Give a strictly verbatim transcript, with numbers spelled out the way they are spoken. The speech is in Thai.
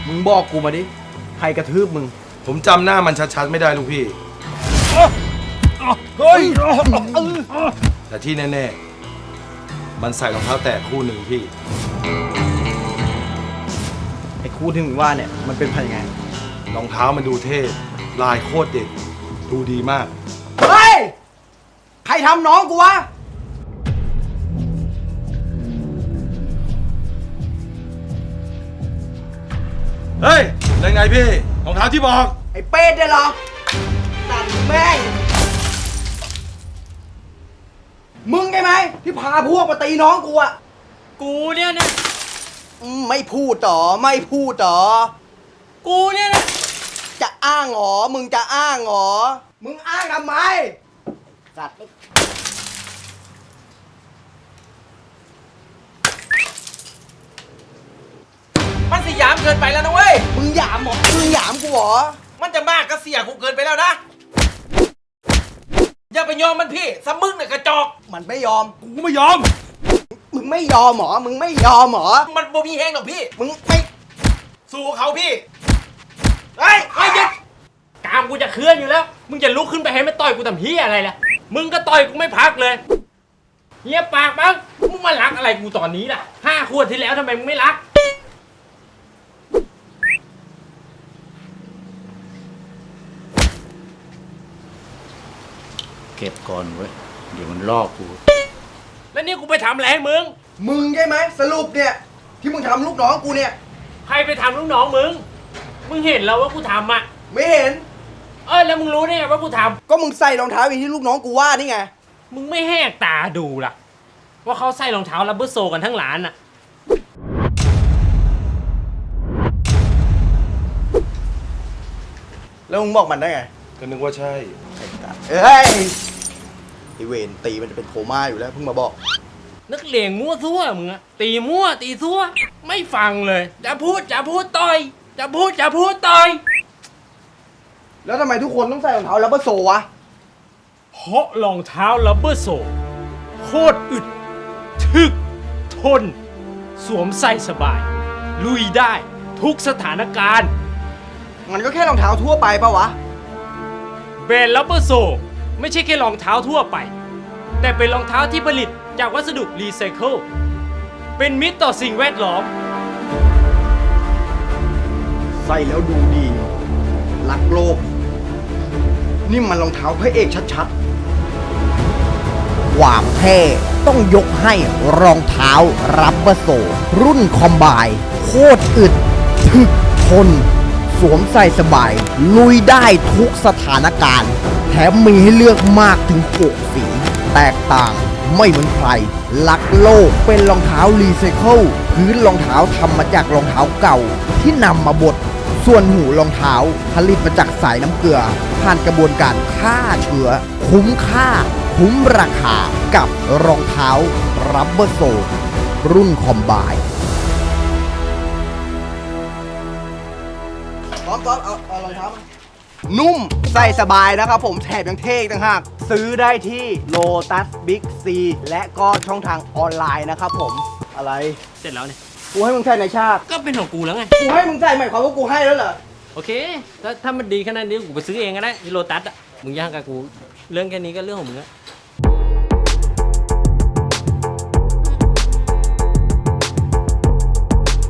มึงบอกกูมาดิใครกระทืบมึงผมจำหน้ามันชัดๆไม่ได้ลุงพี่เฮ้ยแต่ที่แน่ๆมันใส่รองเท้าแตะคู่หนึ่งพี่ไอ้คู่ที่มึงว่าเนี่ยมันเป็นพันยังไงรองเท้ามันดูเท่ลายโคตรเด็ดดูดีมากเฮ้ยใครทำน้องกูวะเฮ้ยยังไงพี่รองเท้าที่บอกไอ้เป็ดเนี่ยเหรอตัดแม่งมึงไงไหมที่พาพวกมาตีน้องกูอะกูเนี่ยนะไม่พูดต่อไม่พูดต่อกูเนี่ยนะจะอ้างหรอมึงจะอ้างหรอมึงอ้างทำไมสัตว์มันสยามเกินไปแล้วนะเว้ยมึงหยามหรอมึงหยามกูหรอมันจะมากก็เสียกูเกินไปแล้วนะอย่าไปยอมมันพี่สมึงเนี่ยกระจอกมันไม่ยอมกูไม่ยอมมึงไม่ยอมหรอมึงไม่ยอมหรอมันบ่มีแห้งหรอกพี่มึงไม่สู้เขาพี่เฮ้ยไอ้ยึดกามกูจะเคลื่อนอยู่แล้วมึงจะลุกขึ้นไปให้มันต่อยกูทำเฮียอะไรล่ะมึงก็ต่อยกูไม่พักเลยเฮียปากมั้งมึงมารักอะไรกูตอนนี้ล่ะห้าขวดที่แล้วทำไมมึงไม่รักเก็บก่อนเว้ยเดี๋ยวมันลอกกูแล้วนี่กูไปทำอะไรให้มึงมึงใช่ไหมสรุปเนี่ยที่มึงทำลูกน้องกูเนี่ยใครไปทำลูกน้องมึงมึงเห็นแล้วว่ากูทำอ่ะไม่เห็นเออแล้วมึงรู้ได้ไงว่ากูทำก็มึงใส่รองเท้าอย่างที่ลูกน้องกูว่านี่ไงมึงไม่แหกตาดูล่ะว่าเขาใส่รองเท้าลับเบอร์โซกันทั้งร้านอ่ะแล้วมึงบอกมันได้ไงก็นึกว่าใช่เอ้ยไอเวนตีมันจะเป็นโคม่าอยู่แล้วเพิ่งมาบอกนักเลงมั่วซั่วมึงอะตีมั่วตีซั่วไม่ฟังเลยจะพูดจะพูดต่อยจะพูดจะพูดต่อยแล้วทำไมทุกคนต้องใส่รองเท้าลับเบอร์โซวะเพราะรองเท้าลับเบอร์โซโคตรอึดถึกทนสวมใส่สบายลุยได้ทุกสถานการณ์มันก็แค่รองเท้าทั่วไปปะวะแบรนด์ลับเบอร์โซไม่ใช่แค่รองเท้าทั่วไปแต่เป็นรองเท้าที่ผลิตจากวัสดุรีไซเคิลเป็นมิตรต่อสิ่งแวดล้อมใส่แล้วดูดีรักโลกนี่มันรองเท้าพระเอกชัดๆความเท่ต้องยกให้รองเท้ารับเบอร์โซรุ่นคอมไบโคตรอึดถึกทนสวมใส่สบายลุยได้ทุกสถานการณ์แถมมีให้เลือกมากถึงหกสีแตกต่างไม่เหมือนใครลักโลกเป็นรองเท้ารีไซเคิลพื้นรองเท้าทำมาจากรองเท้าเก่าที่นำมาบดส่วนหูรองเท้าผลิตมาจากสายน้ำเกลือผ่านกระบวนการฆ่าเชื้อคุ้มค่าคุ้มราคากับรองเท้ารับเบอร์โซรุ่นคอมไบพร้อมๆเอาเอารองเท้ามานุ่มใส่สบายนะครับผมแถบยังเท่ต่างหากซื้อได้ที่ Lotus Big C และก็ช่องทางออนไลน์นะครับผมอะไรเสร็จแล้วเนี่ยกูให้มึงใส่ในชาติก็เป็นของกูแล้วไงกูให้มึงใส่หมายความว่ากูให้แล้วเหรอโอเคถ้าถ้ามันดีขนาดนี้กูไปซื้อเองก็ได้ที่โลตัสอ่ะมึงย่างกับกูเรื่องแค่นี้ก็เรื่องของมึงอะ